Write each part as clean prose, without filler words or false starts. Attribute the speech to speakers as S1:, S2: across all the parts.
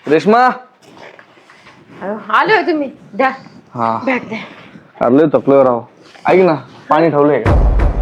S1: रेश्मा
S2: आले होय तुम्ही द्या
S1: हा
S2: बॅग द्या.
S1: अरे थकलो राव. ऐक ना पाणी ठेवलंय का?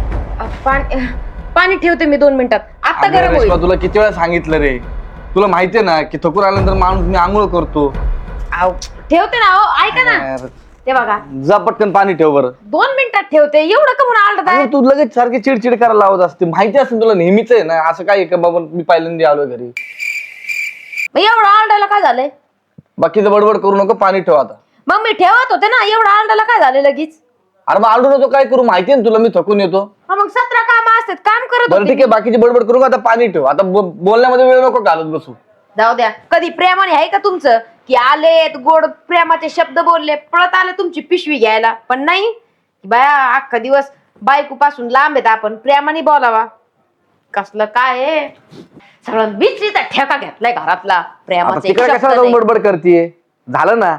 S2: पाणी ठेवते मी 2 मिनिटात. आता
S1: अगं
S2: गरम
S1: रेश्मा
S2: होईल.
S1: तुला किती वेळा सांगितलं रे. तुला माहितीये ना की थकून आल्यानंतर माणूस मी आंघोळ करतो.
S2: ठेवते ना हो ऐका ना
S1: यार,
S2: ते बघा
S1: जा पटकन पाणी ठेव बरं.
S2: 2 मिनिटात ठेवते एवढं का म्हणून आलत आहे.
S1: अगं, तू लगेच सारखी चिडचिड करायला लावत असते. माहिती असेल तुला नेहमीच आहे ना असं काय का बाबा मी पहिल्यांदा आलोय घरी.
S2: मग एवढं आलडायला काय झालंय.
S1: बाकीचं बडबड करू नको पाणी ठेव आता.
S2: मग मी ठेवत होते ना एवढं आलडायला काय झालं लगेच.
S1: अरे मग आलडू नको काय करू माहितीये ना तुला मी थकून येतो.
S2: हा मग 17 काम असतात काम करत
S1: बरं
S2: होते
S1: ठीक आहे बाकीची बडबड करू आता पाणी ठेव. आता बोलण्यामध्ये वेळ नको घालत बसू.
S2: जाऊ द्या कधी प्रेमाने आहे का तुमचं की आलेत गोड प्रेमाचे शब्द बोलले पळत आले तुमची पिशवी घ्यायला पण नाही बाया अख्खा दिवस बायको पासून लांब आहेत आपण प्रेमाने बोलावा कसलं काय आहे सगळं बिचरीचा ठेका घेतलाय घरातला
S1: आता
S2: प्रेमाचे
S1: तिकडे
S2: शब्द
S1: कशाला जाऊन
S2: नाही.
S1: बडबड करतीये. झालं ना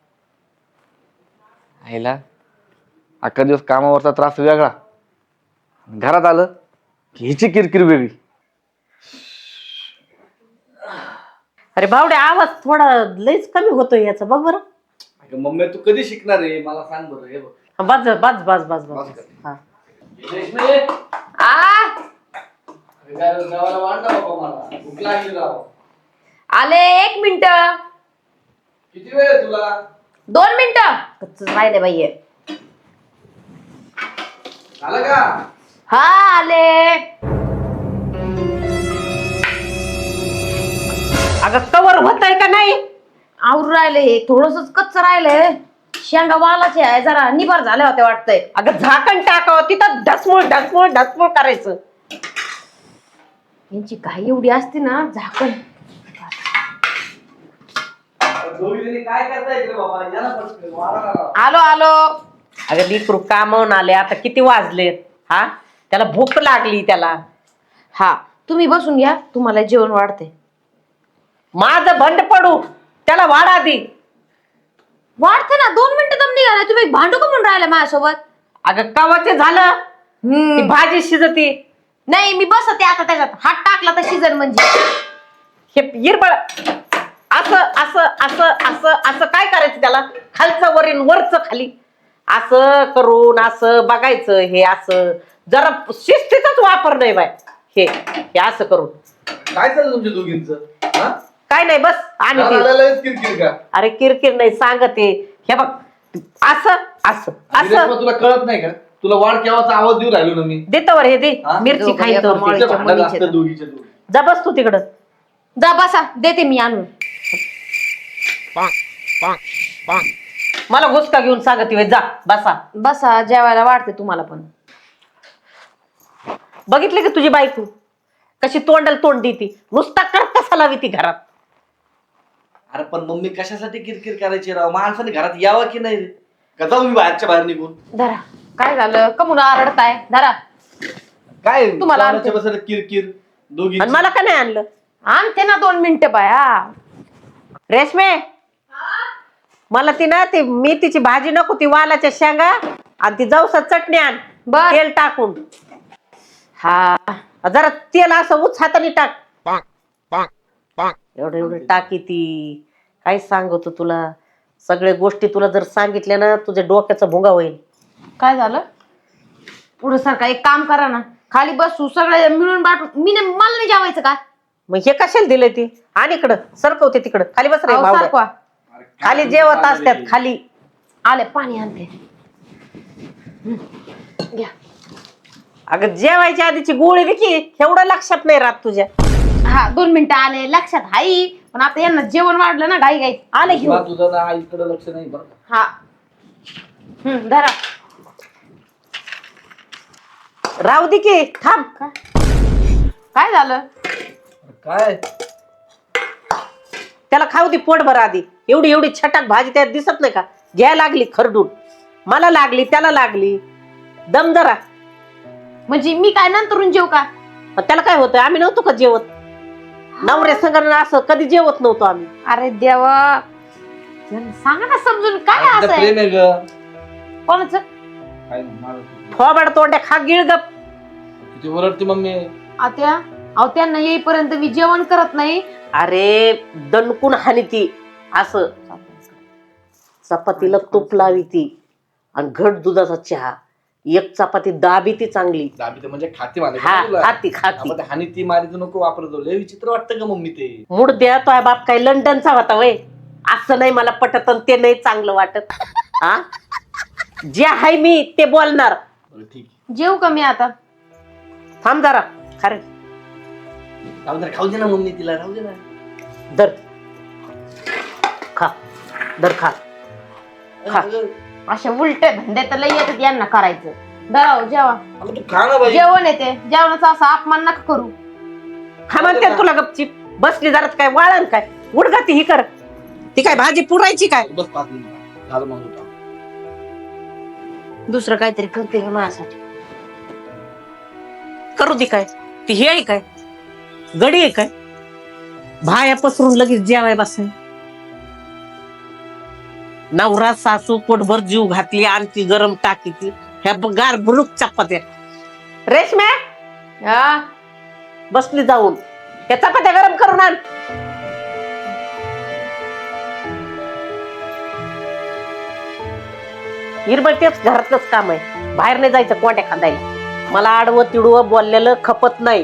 S1: आईला अख्खा दिवस कामावरचा त्रास वेगळा घरात आलं की हिची किरकिर वेगळी.
S3: अरे बावड्या आवाज थोडा लयच कमी होतोय याचा बघ बरं.
S1: मम्मी तू कधी शिकणार आहे मला सांग बरं. हे बघ
S3: बस बस बस बस बस हा.
S2: आले 1 मिनिट
S1: किती वेळ आहे तुला.
S2: 2 मिनिटं कच्च राहिले बाई
S1: झालं का.
S2: हा आले
S3: अगं कवर होतय का नाही.
S2: आवरून राहिले थोडस कच्च राहिलंय शेंगा वालाचे आहे जरा निभार झाले होते वाटतंय.
S3: अगं झाकण टाकावं तिथं ढसमुळ ढसमुळ ढसमुळ करायचं.
S2: यांची काही एवढी असते ना झाकण
S1: काय करताय बाबा.
S2: आलो आलो
S3: अगं लेकरू कामावून आले आता किती वाजलेत हा त्याला भूक लागली त्याला.
S2: हा तुम्ही बसून घ्या तुम्हाला जेवण वाढते.
S3: माझं भंड पडू त्याला वाढा दे.
S2: वाढते ना 2 मिनिटं दम निघाला तुम्ही भांडू का म्हणून राहिला माझ्यासोबत.
S3: अगं कवाचे झालं ती भाजी शिजती.
S2: नाही मी बसते आता त्याच्यात हात टाकला तर शिजन म्हणजे
S3: हे हिरबळ असं असं असं असं असं काय करायचं त्याला खालचं वरील वरच खाली असं करून असं बघायचं. हे असं जरा शिस्तीचाच वापर नाही बाय. हे असं करून
S1: काय चाललं तुमच्या दोघींचं.
S3: काय नाही बस आणि
S1: किरकिर का.
S3: अरे किरकिर नाही सांगते हे बघ असं असं असं
S1: तुला कळत नाही का. तुला वाढ केव्हाचा आवाज देऊ राहिलो ना मी.
S3: देतवर हे दे मिरची खायचं जा बस तू तिकडं
S2: जा बसा देते मी आणून.
S3: मला घुसका घेऊन सांगते होय, जा बसा.
S2: बसा जेवायला वाढते तुम्हाला पण.
S3: बघितली की तुझी बायको कशी तोंडाला तोंड देती नुसता कसा लावी ती घरात.
S1: अरे पण मम्मी कशासाठी किरकिर करायची राव. माणसाने घरात यावं की नाही का जाऊ मी बाहेरच्या बाहेर निघून.
S2: धरा काय झालं कमून आरडताय धरा
S1: काय
S2: तुम्हाला
S1: कोणाच्या बसत किरकिर दोघी.
S3: आणि मला का नाही आणलं.
S2: आणते ना 2 मिनिटं बाया.
S3: रेशमे मला ती ना ती मेथीची भाजी नको ती वालाच्या शेंगा आणि ती जवसा चटणी आण
S2: बर.
S3: तेल टाकून.
S2: हा
S3: जरा तेल असं उच हाताने टाक. एवढं एवढं टाकी ती काय सांगतो तुला सगळ्या गोष्टी तुला जर सांगितल्या ना तुझ्या डोक्याचा भोंगा होईल.
S2: काय झालं पुढे सारखा एक काम करा ना खाली बसू सगळे मिळून बाटून मला नाही जेवायचं का.
S3: मग हे कशाला दिलंय ती आणि इकडं सरकवते तिकडं खाली बस रे
S2: अहो,
S3: भावड्या.
S2: सारखा.
S3: खाली जेवत असतात खाली.
S2: आले पाणी आणते घ्या.
S3: अगं जेवायच्या आधीची गोळी देखी एवढं लक्षात नाही राहत तुझ्या.
S2: हा 2 मिनिटं आले लक्षात हाई पण आता यांना जेवण वाढलं ना घाई घाई आले घेऊन.
S1: तुझं ना इकडे लक्ष नाही बरं.
S2: हा धरा
S3: राहू दे की थांब.
S2: काय झालं
S1: काय
S3: त्याला खाऊ दे पोट भर आधी. एवढी एवढी छटाक भाजी त्यात दिसत नाही का घ्यायला लागली खरडून. मला लागली त्याला लागली दम जरा.
S2: म्हणजे मी काय नंतरून जेव का.
S3: त्याला काय होतं आम्ही नव्हतो का जेवत. नवरे संघाने असं कधी जेवत नव्हतो आम्ही.
S2: अरे देवा सांगा ना समजून काय असं
S1: प्रेम आहे ग.
S2: कोणाचं
S3: थोबाड तोंड्या खा गिळगप.
S1: किती ओरडते मम्मी.
S2: आत्या अहो त्यांना येईपर्यंत मी जेवण करत नाही
S3: अरे दणकून हानी ती असं चपातीला तूप लावी ती आणि घट दुधाचा चहा, एक चपाती दाबी ती चांगली.
S1: दाबी तर म्हणजे खाती मारायची
S3: हा
S1: ना तुला.
S3: खाती खाती.
S1: आपण ते हानी ती मारी तर नको वापरतो. लय विचित्र वाटतं का मम्मी ते?
S3: मूड द्या तो बाप काय लंडनचा होता वय. असं नाही मला पटत आणि ते नाही चांगलं वाटत. हा जे आहे मी ते बोलणार.
S1: बरं, ठीक आहे.
S2: जेव कमी आता.
S3: थांब जरा खरे
S1: राहू दे ना, खाऊ दे ना मम्मी तिला, राहू दे ना.
S3: दर खा दर खा खा.
S2: अशा उलटे धंदे तर लय येतात यांना करायचं. दराव जेवा.
S1: अगं तू खा ना बाई.
S2: जेवण येते, जेवणाचा असा अपमान नका करू.
S3: खा म्हणते तुला गपचीप बसली जरा काय वाळण काय उडगा ती ही कर. ती काय भाजी पुरायची काय?
S1: बस 5 मिनिटं झालं मग होता.
S2: दुसरं काहीतरी करते का माझ्यासाठी?
S3: करू दे काय ती हे आहे काय गडी आहे काय भाया पसरून लगेच जेवाय बसाय. नवरा सासू पोटभर जीव घातली आणि ती गरम टाकी ती ह्या गार बुरुक चपात्या. रेशम्या
S2: हा
S3: बसली जाऊन त्या चपात्या गरम करून आण. हिरबळ तेच घरातलंच काम आहे, बाहेर नाही जायचं कोंड्या खांदायला. मला आडवं तिडवं बोललेलं खपत नाही.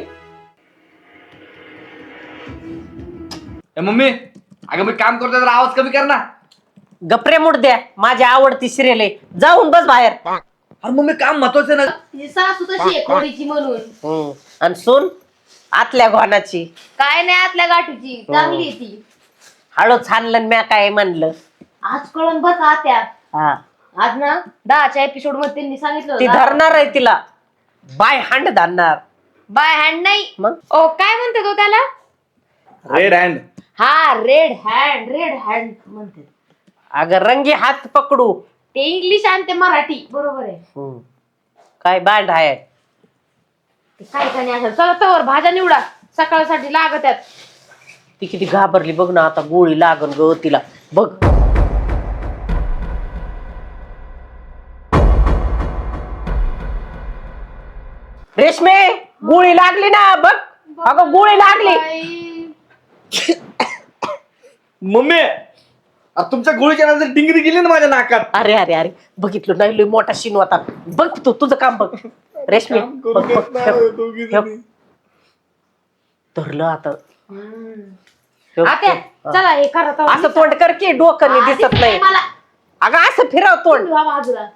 S1: ए मम्मी, अगं मी काम करतोय तर आवाज कमी कर ना.
S3: गपरे मुड द्या, माझी आवडती सिरियल आहे, जाऊन बस बाहेर.
S1: अरे मम्मी काम महत्वाचं आहे ना.
S2: तिची सासू तशी आहे खोडीची म्हणून.
S3: आणि सून आतल्या घोणाची
S2: काय नाही आतल्या गाठीची चांगली आहे ती.
S3: हळूच हाणलं म्या काय म्हणलं.
S2: आज कळण बस आत्या.
S3: हा
S2: आज ना 10च्या एपिसोड मध्ये त्यांनी सांगितलं
S3: ती
S2: होतं.
S3: धरणार आहे तिला बाय हँड धरणार.
S2: बाय हँड नाही
S3: मग
S2: ओ काय म्हणते तो त्याला?
S1: Red hand.
S2: हा रेड हँड म्हणते.
S3: अगं रंगी हात पकडू.
S2: ते इंग्लिश आणि ते मराठी बरोबर आहे.
S3: काय बांड आहे
S2: ते काय काय नाही असं. चला तवर भाज्या निवडा सकाळसाठी लागत आहेत.
S3: ती किती घाबरली बघ ना, आता गोळी लागन ग तिला बघ. रेशमे गोळी लागली ना बघ. अगं गोळी लागली.
S1: मम्मी, अरे तुमच्या गोळीच्या नंतर डिंगरी गेली ना माझ्या नाकात.
S3: अरे अरे अरे बघितलं नाही लय मोठा शिन होता. बघ तू तुझं काम बघ. रेशमी बघ, बघ, ठेव. धरलं आता. ठेव,
S2: आत्या
S3: ठेव.
S2: चला हे करा तवा.
S3: असं तोंड कर की डोकं नाही दिसत नाही.
S2: मला
S3: अगं असं फिरव तोंड.
S2: वा बाजूला.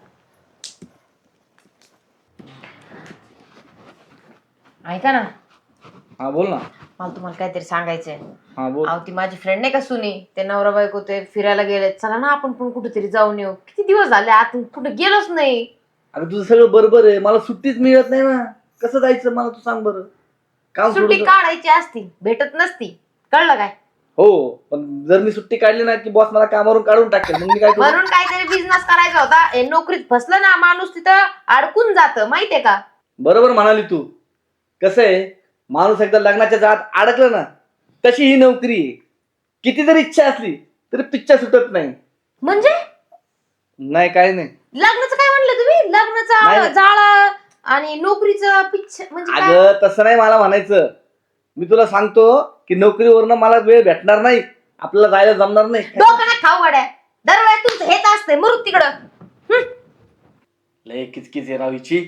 S2: ऐका ना,
S1: हा बोल ना.
S2: मला तुम्हाला काहीतरी सांगायचंय.
S1: हा बोल.
S2: अहो ती माझी फ्रेंड नाही का सुनी, ते नवरा बायको ते फिरायला गेले. चला ना आपण पण कुठेतरी जाऊन येऊ. किती दिवस झाले आतून कुठे गेलोच नाही.
S1: अगं तुझं सगळं बरोबर आहे, मला सुट्टीच मिळत नाही ना. कसं जायचं मला तू सांग बरं. काम
S2: सुट्टी
S1: सोडून.
S2: काढायची असती भेटत नसती, कळलं काय?
S1: हो पण जर मी सुट्टी काढली ना की बॉस मला कामावरून काढून टाकेल, मग मी काय करू?
S2: म्हणून काहीतरी बिझनेस करायचा होता. हे नोकरीत फसलं ना माणूस तिथं अडकून जातं माहितीये का?
S1: बरोबर म्हणाली तू. कसं आहे, माणूस एकदा लग्नाच्या जात अडकलं ना, तशी ही नोकरी आहे. किती जरी इच्छा असली तरी पिच्छा सुटत नाही.
S2: म्हणजे
S1: नाही काय नाही.
S2: लग्नाचं काय म्हणलं तुम्ही? लग्नाचं
S1: नाही.
S2: जाळं आणि नोकरीचं पिच्छ म्हणजे काय?
S1: अगं तसं नाही मला म्हणायचं. मी तुला सांगतो की नोकरीवरनं मला वेळ भेटणार नाही, आपल्याला जायला जमणार नाही.
S2: डोकं नाही खाऊ गड्या. दरवेळेस तुमचं हेच असतंय मरू तिकडं.
S1: लय किचकिच आहे राव हिची.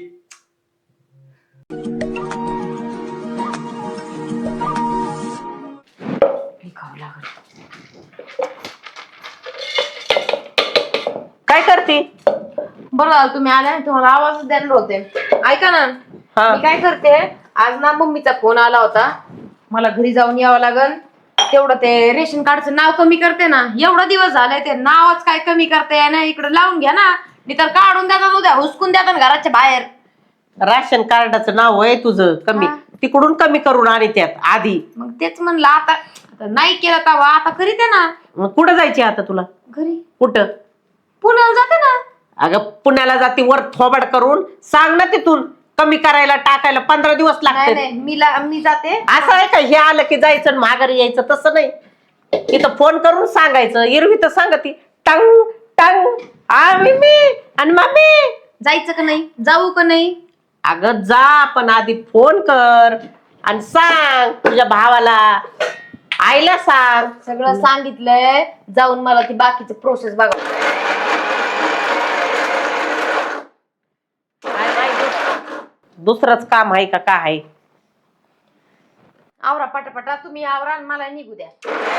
S3: काय करते?
S2: बरं झालं तुम्ही आल्या, तुम्हाला आवाज देणार होते. ऐका ना,
S3: हा.
S2: मी काय करते, आज ना मम्मीचा फोन आला होता, मला घरी जाऊन यावं लागल. तेवढं ते रेशन कार्डचं नाव कमी करते ना, एवढा दिवस झाले ते नावच काय कमी करते ना. इकडे लावून घ्या ना, मी तर काढून देतात उद्या, हुसकून देतात घराच्या बाहेर.
S3: राशन कार्डाचं नाव आहे तुझं कमी,
S2: हा.
S3: तिकडून कमी करून आणि त्यात आधी.
S2: मग तेच म्हणलं आता नाही केलं तवा आता करीत आहे ना.
S3: मग कुठं जायची आता तुला?
S2: घरी
S3: कुठं?
S2: पुण्याला जाते ना.
S3: अगं पुण्याला जाती वर थोबाड करून सांग ना तिथून कमी करायला टाकायला 15 दिवस
S2: नाही
S3: लागते.
S2: नाही मी जाते.
S3: असं आहे का हे आलं की जायचं आणि माघारी यायचं? तसं नाही, तिथं फोन करून सांगायचं. एरवी तर सांगती टंग टंग आम्ही मी आणि मम्मी.
S2: जायचं का नाही, जाऊ का नाही?
S3: अगं जा, पण आधी फोन कर आणि सांग तुझ्या भावाला आईला सांग.
S2: सगळं सांगितलंय, जाऊन मला ती बाकीची प्रोसेस बघा.
S3: काय माहिती दुसरंच काम आहे का काय आहे.
S2: आवरा पटापटा, तुम्ही आवरा आणि मला निघू द्या.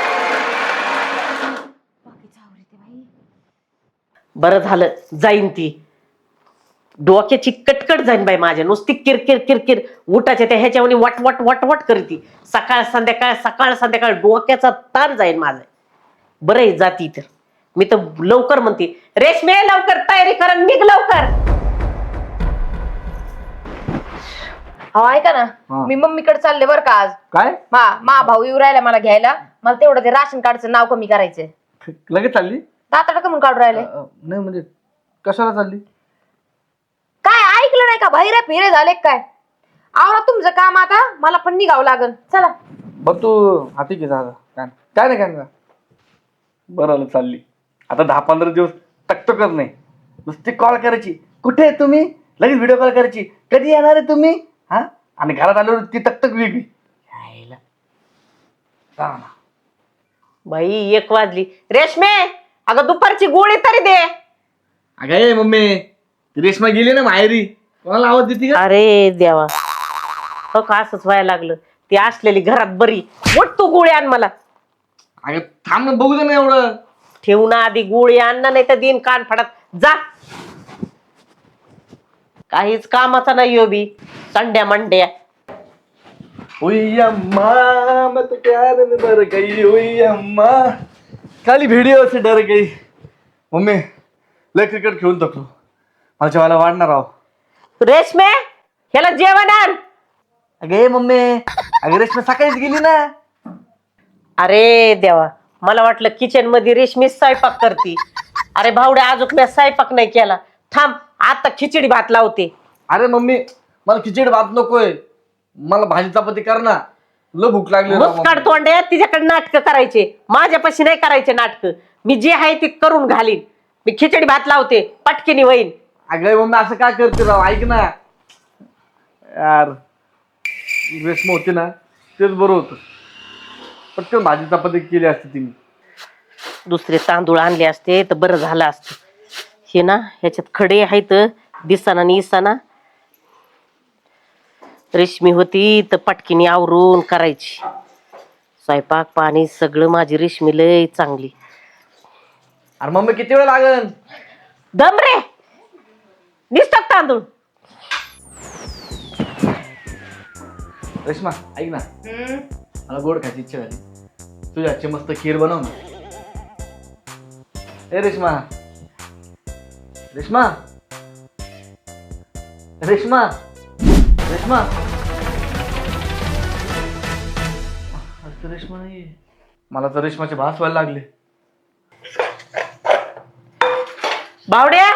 S2: बाकीचं आवरते बाई.
S3: बरं झालं जाईन ती. डोक्याची कटकट जाईन बाई माझ्या. नुसती किरकिर किरकिर उठाच्या त्या ह्याच्यावर वट वट वट वट करती. सकाळ संध्याकाळ डोक्याचा ताण जाईन माझा. बरं आहे जाती तर. मी तर लवकर म्हणते रेशमे लवकर तयारी कर आणि निघ लवकर.
S2: हो ऐका ना,
S1: हा.
S2: मी मम्मीकडे चालले बरं का आज.
S1: काय
S2: मा भाऊ येऊ राहिला मला घ्यायला. मला तेवढं ते राशन कार्डचं नाव कमी करायचंय.
S1: लगेच चालली?
S2: तातडा कमून काढून राहिले.
S1: नाही म्हणजे कशाला चालली?
S2: काय ऐकलं नाही का? बाहेर फिरे झाले काय? आवरा तुमचं काम आता, मला पण निघावं लागल. चला.
S1: बघ तू हाती घे झाला काय नाही बरं आलं चालली. आता 10-15 दिवस तकतकच नाही. नुसती कॉल करायची, कुठे आहे तुम्ही, लगेच व्हिडिओ कॉल करायची, कधी येणार आहे तुम्ही, हा. आणि घरात आल्यावर ती तकतक वेगळी.
S3: बाई 1 वाजली. रेशमे अगं दुपारची गोळी तरी दे.
S1: अगं ए मम्मी, रेशमा गेली ना माहेरी, कोणाला आवाज देते का?
S3: अरे देवा हो का असंच व्हायला लागलं. ती असलेली घरात बरी. उठ तू गोळी आण मला.
S1: अगं थांब ना, बघू दे ना एवढं.
S3: ठेवू ना आधी गोळी आण ना, नाही तर दिन कान फाडत जा. काहीच कामाचा नाही हो बी. संड्या मंड्या.
S1: ओई अम्मा मैं तो प्यार में मर गई, ओई अम्मा खाली व्हिडिओ से डर गई. मम्मी लय क्रिकेट खेळून थकलो, मला जेवायला वाढणार आहो.
S3: रेशमे ह्याला जेवण आण.
S1: अगे मम्मी, अगे रेशमा सकाळीच गेली ना.
S3: अरे देवा मला वाटलं किचन मध्ये रेशमी स्वयंपाक करती. अरे भावड्या अजून मी स्वयंपाक नाही केला. थांब आता खिचडी भात लावते.
S1: अरे मम्मी मला खिचडी भात नकोय, मला भाजी चपाती कर ना, लय भूक लागली राव
S3: मुस्काड
S1: मम्मी.
S3: तोंडे तिच्याकडे नाटकं करायचे. माझ्यापाशी नाही करायचे नाटकं. मी जे आहे ते करून घालीन. मी खिचडी भात लावते पटकिनी वहीन.
S1: अगं मम्मी असं काय करते राव, ऐक ना यार. रेशमा होती ना तेच बरं होतं, पटकन भाजी चपाती केली असती तिने.
S3: दुसरे तांदूळ आणले असते तर बरं झालं असतं. हे ना ह्याच्यात खडे आहेत दिसाना आणि इसाना. रेशमी होती तर पटकिनी आवरून करायची. स्वयंपाक पाणी सगळं माझी रेशमी लय चांगली.
S1: अरे मम्मी किती वेळ लागन?
S3: दम रे निसटक तांदूळ.
S1: रेश्मा ऐक ना, मला गोड खायची इच्छा झाली. तुझ्या हातची मस्त खीर बनव ना. ए रेश्मा, रेश्मा, रेश्मा, रेश्मा. अरे तर रेश्मा नाही. मला तर रेश्माचे भास व्हायला लागले.
S3: बावड्या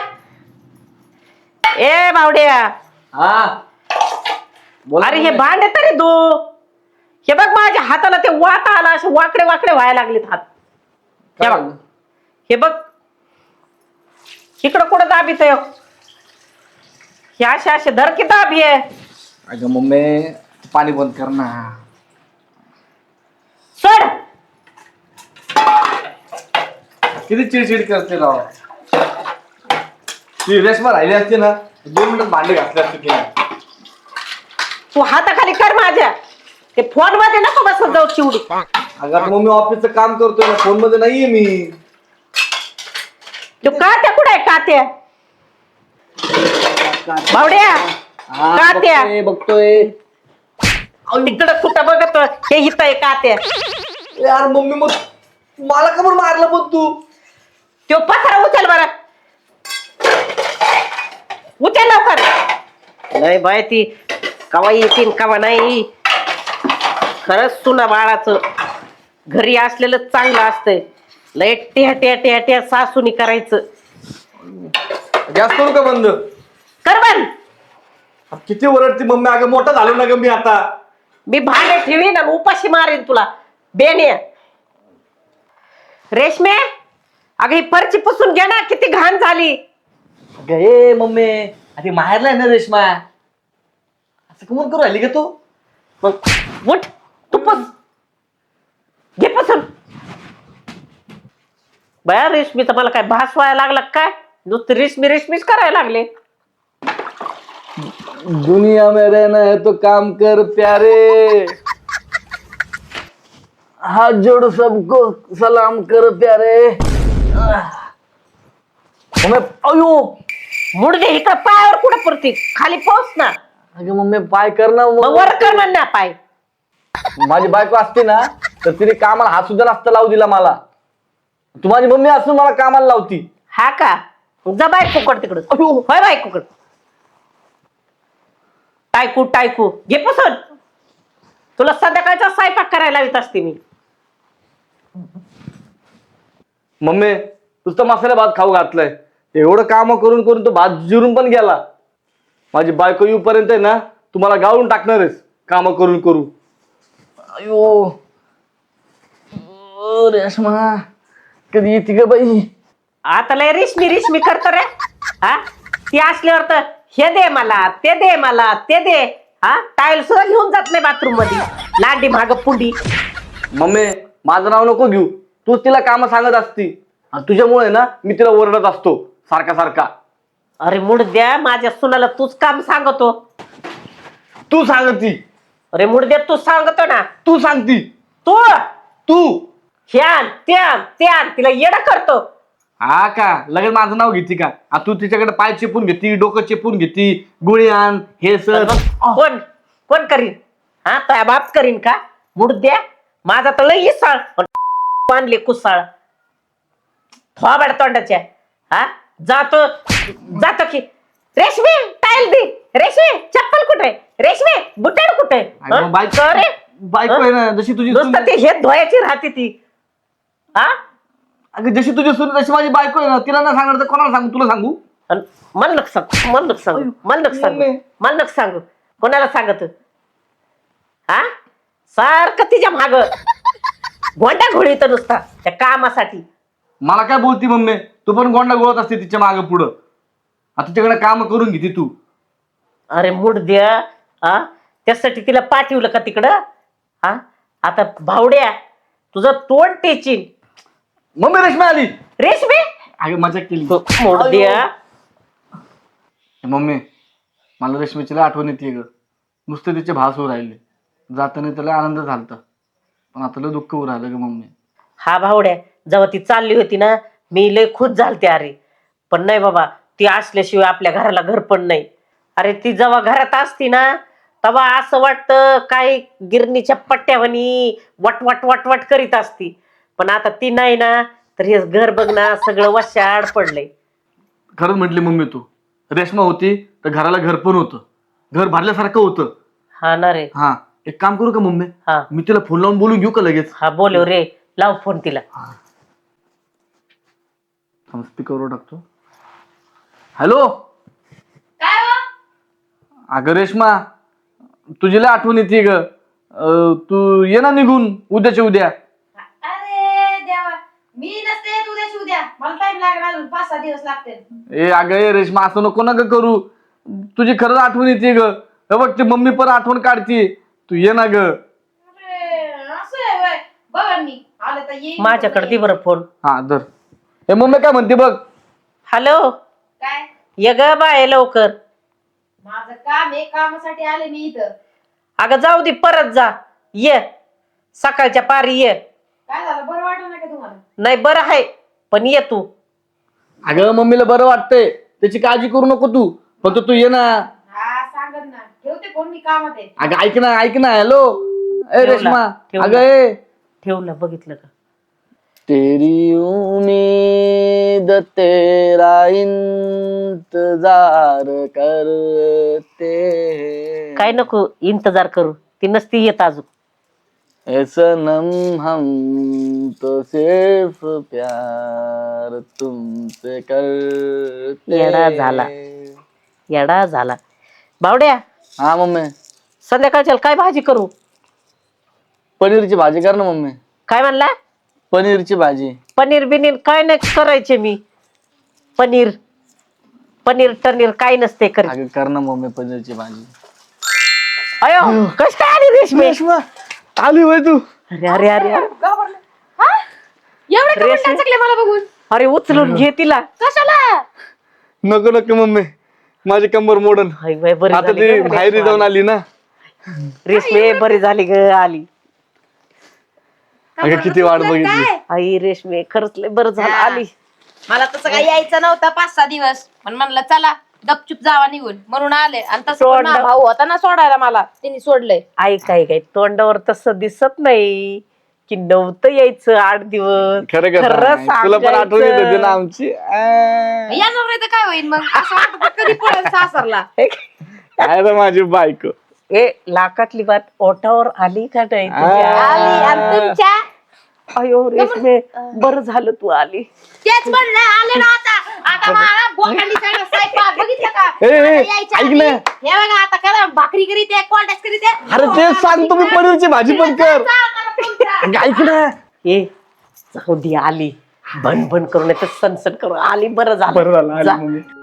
S3: ए बावड्या.
S1: हा बोला
S3: अरे हे
S1: मम्मी.
S3: भांडे तरी दो. हे बघ माझ्या हाताला ते वाटा आला. असे वाकडे वाकडे व्हायला लागलेत हात. हे
S1: काय
S3: बघ
S1: झालं?
S3: हे बघ इकडं कुठं दाबीत आहे. हे असे असे धरकी दाबी आहे.
S1: अगं मम्मी पाणी बंद कर ना.
S3: सोड.
S1: किती चिडचिड करते राव. ती रेश्मा राहिली असते ना 2 मिनिटात भांडे घातले असते तिने.
S3: तू हाताखाली कर माझ्या. ते फोन मध्ये नको बसत जाऊ चिवडी.
S1: अगं आता मम्मी ऑफिसचं काम करतोय ना, फोन मध्ये नाहीये मी.
S3: तू कात्या कुठे आहे कात्या. बावड्या
S1: हा,
S3: कात्या.
S1: बघतोय.
S3: तिकडं कुठं बघत हे हित आहे कात्या.
S1: यार मम्मी मग मला का बरं मारलं पण तू?
S3: तो पथरा उचल बरं. उचल लवकर. नाही बाय ती कवा येतील कवा नाही. खरंच तुला बाळाचं घरी असलेलं चांगलं असतंय. लय टेह टेह टेह टेह सासूनी करायचं.
S1: गॅस करू का बंद?
S3: कर बंद.
S1: किती ओरडती मम्मी. अगं मोठा झालो ना ग मी आता.
S3: मी भांडे ठेवीन आणि उपाशी मारीन तुला बेने. रेशमे अगं ही परची पुसून घे ना. किती घाण झाली.
S1: अगं ए मम्मी, अरे माहेरला आहे ना रेश्मा, असं कमून करू राहिली का तू?
S3: मग उठ तू पुस. घे बया रेशमीचा मला काय भास व्हायला लागला काय? नुसतं रेशमी रेशमीच करायला लागले.
S1: दुनिया में रहना है तो काम कर प्यारे, हाथ जोड़ सबको सलाम कर प्यारे. मम्मी अयो,
S3: मुडदे इकडं पायावर कुठं पडते? खाली पोच ना.
S1: अगं मम्मी पाय कर ना.
S3: मग वर कर म्हण ना पाय.
S1: माझी बायको असते ना तर तिने कामाला हात सुद्धा नसता लावू दिला मला. तू माझी मम्मी असून मला कामाला लावती.
S3: हा का? जा बायकोकड तिकडं. होय बायकोकड. टायकू टायकू घे पुसून. तुला संध्याकाळचा स्वयंपाक करायला येत असते मी.
S1: मम्मी नुसतं मसाला भात खाऊ घातलाय. एवढं काम करून करून तो भात जिरून पण गेला. माझी बायको येऊपर्यंत आहे ना तुम्हाला गाळून टाकणारच काम करून करू. अयो रेशमा कधी येते ग बाई.
S3: आता लय रेशमी रेशमी करतो रे. हा ती असल्यावर तर हे दे मला, ते दे मला, ते दे. हा टाईल सुद्धा घेऊन जात नाही बाथरूम मध्ये. लांडी माग पुंडी.
S1: मम्मी माझं नाव नको घेऊ. तूच तिला काम सांगत असती आणि तुझ्यामुळे ना मी तिला ओरडत असतो सारखा सारखा.
S3: अरे मुडद्या माझ्या सुनाला तूच काम सांगतो.
S1: तू सांगती.
S3: अरे मुडद्या तू सांगतो ना.
S1: तू सांगती.
S3: तू
S1: तू
S3: ह्यान त्यान त्यान तिला येडं करतो.
S1: हा का लगेच माझं नाव घेते का? तू तिच्याकडे पाय चेपून घेती, डोकं चेपून घेती, गोळी आण हे सर.
S3: कोण कोण करीन? हा त्या बाप करीन का? मुडद्या माझा तर लई इसळ आणले कुसाळ थोबाड तोंडाच्या. हा जातो जातो की रेशमी टाईल दे, रेशमी चप्पल कुठे, रेशमी बुटाड कुठे?
S1: बायको आहे ना जशी तुझी
S3: नुसतं ते हे धुवायची राहते ती. हा
S1: अगं जशी तुझी सून तशी माझी बायको आहे ना. तिला ना सांगणार तर कोणाला सांगू? तुला सांगू?
S3: मला नको सांग, मला नको सांगू, मला नको सांगू, मला नको सांगू. कोणाला सांगत? हा सारखं तिच्या माग गोंडा घोळीत नुसता त्या कामासाठी.
S1: मला काय बोलती मम्मी? तू पण गोंडा गोळत असते तिच्या मागं पुढं. आता तिच्याकडे काम करून घेते तू.
S3: अरे मुडद्या हा त्यासाठी तिला पाठवलं का तिकडं? हा आता भावड्या तुझं तोंड टेचीन.
S1: मम्मी रेशमी आली.
S3: रेशमी
S1: अगं मजा केली.
S3: मुडद्या
S1: मम्मी मला रेशमीची लय आठवण येते ग. नुसते तिचे भास होऊ राहिले. जाताना त्याला आनंद झालता पण आता लय दुःख होऊ राहिलं ग मम्मी.
S3: हा भावड्या जेव्हा ती चालली होती ना मी लय खुश झालते. अरे पण नाही बाबा ती असल्याशिवाय आपल्या घराला घर पण नाही. अरे ती जेव्हा घरात असती ना तेव्हा असं वाटतं काय गिरणीच्या पट्ट्यावानी वट वट वट वट करीत असती. पण आता ती नाही ना तर हे घर बघ ना सगळं वशाड पडलंय.
S1: खरंच म्हटली मम्मी तू. रेशमा होती तर घराला घर पण होतं. घर भरल्यासारखं होतं.
S3: हा ना रे.
S1: हा एक काम करू का मम्मी?
S3: हा
S1: मी तिला फोन लावून बोलून घेऊ का लगेच?
S3: हा बोलव रे. लाव फोन तिला.
S1: स्पीकरवर टाकतो. हॅलो.
S2: काय हो?
S1: अगं रेश्मा तुझी लय आठवण येते ग. तू ये ना निघून उद्याच्या उद्या.
S2: अरे देवा मी नसते येत उद्याची उद्या. मला टाइम लागणार अजून 5-6 दिवस लागतील.
S1: ए अगं ए रेश्मा असं नको ना ग करू. तुझी खरंच आठवण येते ग. बघ ती मम्मी पण आठवण काढते. तू ये ना ग.
S2: असं आहे होय. बघा मी आले तर येईन.
S3: माझ्याकडे दे बरं फोन.
S1: हा धर. ए मम्मी काय म्हणते बघ.
S3: हॅलो
S2: काय
S3: ये ग बाय लवकर.
S2: माझं काम आहे. कामासाठी आले मी इथं.
S3: अगं जाऊ दे परत जा. ये सकाळच्या पारी ये.
S2: काय झालं बरं वाटलं नाही का तुम्हाला?
S3: नाही बरं आहे पण ये तू.
S1: अगं मम्मीला बरं वाटतंय त्याची काळजी करू नको तू. फक्त तू ये ना.
S2: हा सांगत ना. ठेवते फोन मी कामात आहे.
S1: अगं ऐक ना ऐक ना. हॅलो ए
S3: ठेवला,
S1: रेश्मा.
S3: ठेवला.
S1: अगं ए
S3: ठेवलं बघितलं का?
S1: तेरी उम्मीद तेरा इंतजार करते
S3: काय नको इंतजार करू. ती नसती येत अजून.
S1: ए सनम हम तो सिर्फ प्यार तुमसे करते.
S3: येडा झाला. येडा झाला. बावड्या
S1: हा मम्मी.
S3: संध्याकाळच्या काय भाजी करू?
S1: पनीरची भाजी कर ना मम्मी.
S3: काय म्हणला?
S1: पनीरची भाजी.
S3: पनीर बिनीर काय नाही करायचे मी. पनीर पनीर टनीर काय नसते करी.
S1: अगं कर ना मम्मी पनीरची भाजी.
S3: अयो कस काय आली रेशमी?
S1: रेश्मा आली होय तू.
S3: अरे अरे अरे अरे.
S2: एवढे कमेंट टाकले मला बघून.
S3: अरे उचलून घे तिला.
S2: कशाला?
S1: नको नको मम्मी, माझी कंबर मोडन.
S3: हाय बाय, बरी
S1: आता
S3: झाली
S1: ती
S3: गं,
S1: बाहेर जाऊन आली ना.
S3: रेशमे बरी झाली ग, आली.
S1: अगं किती वाट बघितली.
S2: काय?
S3: आई रेशमे खरंच लय बरं झालं,
S2: हा.
S3: आली.
S2: मला तसं काही यायचं नव्हतं 5-6 दिवस, पण म्हणलं चला गपचूप जावा निघून म्हणून आले. आणि तसं पण माझा भाऊ होता ना सोडायला मला, त्यांनी सोडलंय.
S3: आई काय काय तोंडावर तसं दिसत नाही की नव्हतं यायचं 8 दिवस.
S1: खरं का सांग? तुला पण आठवण येत होती ना आमची.
S2: येणार नाही तर काय होईल मग? असं वाटतं कधी पळेल सासरला.
S1: काय रे माझी बायको.
S3: ए लाखातली बात ओठावर आली का नाही तुझ्या?
S2: आली. आणि तुमच्या
S3: अयो रेशमे बरं झालं तू आली.
S2: तेच म्हणलं आले ना आता. आता मला बोकांडी सगळं स्वयंपाक बघितलं का?
S1: ए, ए,
S2: आता यायच्या
S1: ऐक
S2: आधी,
S1: ना.
S2: हे बघा आता करा भाकरी करीत आहे, कोल्ड्यास करीत आहे.
S1: अरे तेच सांगतो मी, पनीरची भाजी पण कर.
S2: तुमच्या.
S1: ऐक ना.
S3: ए जाऊ दे आली. भन भन करून सनसन करून आली. बरं
S1: बरं झालं
S3: झालं
S1: आली
S3: जा.
S1: मम्मी.